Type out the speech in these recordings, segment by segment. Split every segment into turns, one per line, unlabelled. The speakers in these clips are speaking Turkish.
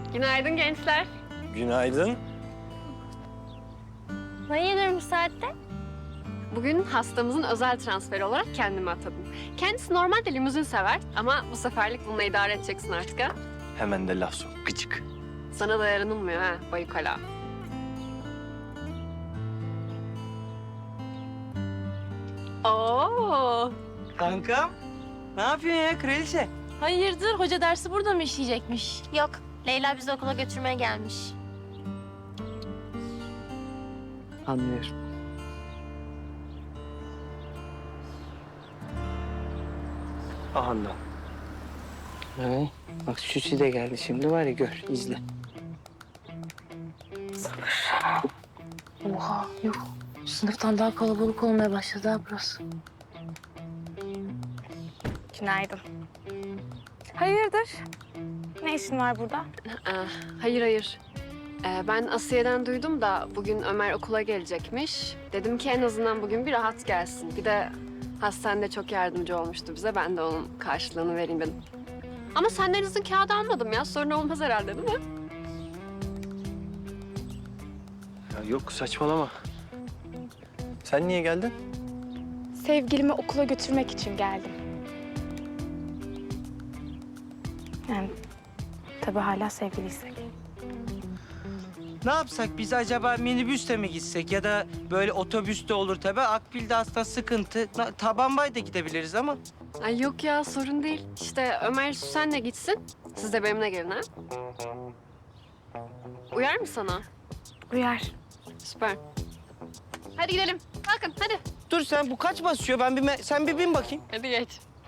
Günaydın gençler.
Günaydın.
Hayırdır bu saatte?
Bugün hastamızın özel transferi olarak kendimi atadım. Kendisi normalde limuzin sever ama bu seferlik bununla idare edeceksin artık ha.
Hemen de laf sok. Gıcık.
Sana da yaranılmıyor ha bayukala. Oo.
Kankam, ne yapıyorsun ya kraliçe?
Hayırdır hoca dersi burada mı işleyecekmiş? Yok, Leyla bizi okula götürmeye gelmiş.
Anlıyorum.
Ahandan.
Evet. Bak Süsi de geldi şimdi var ya gör, izle.
Oha yok. Sınıftan daha kalabalık olmaya başladı ha burası.
Günaydın. Hayırdır? Ne işin var burada?
Hayır. Ben Asiye'den duydum da bugün Ömer okula gelecekmiş. Dedim ki en azından bugün bir rahat gelsin. Bir de hastanede çok yardımcı olmuştu bize. Ben de onun karşılığını vereyim dedim. Ama senden izin kağıdı almadım ya. Sorun olmaz herhalde değil mi?
Ya yok saçmalama. Sen niye geldin?
Sevgilimi okula götürmek için geldim. Yani tabii hala sevgiliysek.
Ne yapsak biz acaba minibüste mi gitsek ya da böyle otobüste olur tabii. Akbil'de aslında sıkıntı. Taban bay da gidebiliriz ama.
Ay yok ya sorun değil. İşte Ömer senle gitsin. Siz de benimle gelin ha. Uyar mı sana?
Uyar.
Süper. Hadi gidelim. Kalkın hadi.
Dur sen bu kaç basıyor? Sen bir bin bakayım.
Hadi geç.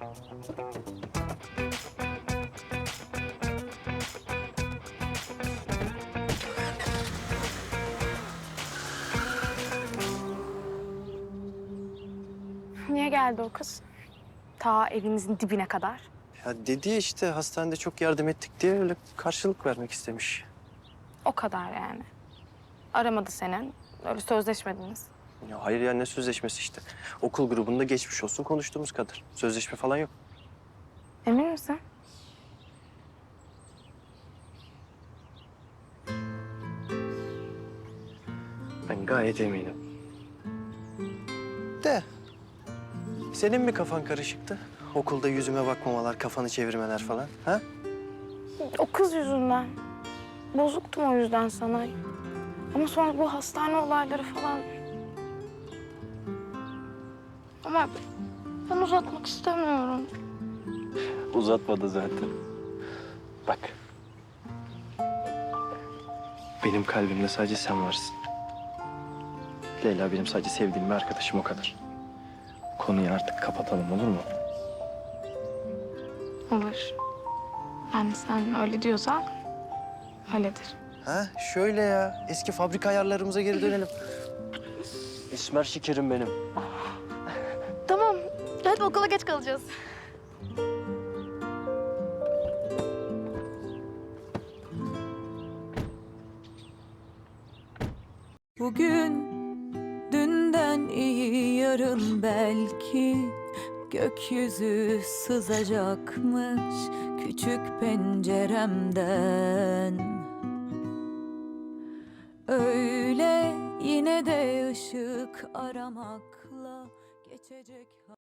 Niye geldi o kız? Ta evimizin dibine kadar.
Ya dedi ya işte hastanede çok yardım ettik diye öyle karşılık vermek istemiş.
O kadar yani. Aramadı senin. Öyle sözleşmediniz.
Ya hayır ya ne sözleşmesi işte. Okul grubunda geçmiş olsun konuştuğumuz kadar. Sözleşme falan yok.
Emin misin?
Ben gayet eminim. De. Senin mi kafan karışıktı? Okulda yüzüme bakmamalar, kafanı çevirmeler falan. Ha?
O kız yüzünden. Bozuktum o yüzden sana. Ama sonra bu hastane olayları falan. Ama ben uzatmak istemiyorum.
Uzatmadı zaten. Bak. Benim kalbimde sadece sen varsın. Leyla benim sadece sevdiğim bir arkadaşım o kadar. Konuyu artık kapatalım olur mu?
Olur. Yani sen öyle diyorsan öyledir.
Ha şöyle ya. Eski fabrika ayarlarımıza geri dönelim. Esmer şekerim benim.
Tamam, hadi okula geç kalacağız.
Bugün dünden iyi yarın belki gökyüzü sızacakmış küçük penceremden. Öyle yine de ışık aramakla geçecek.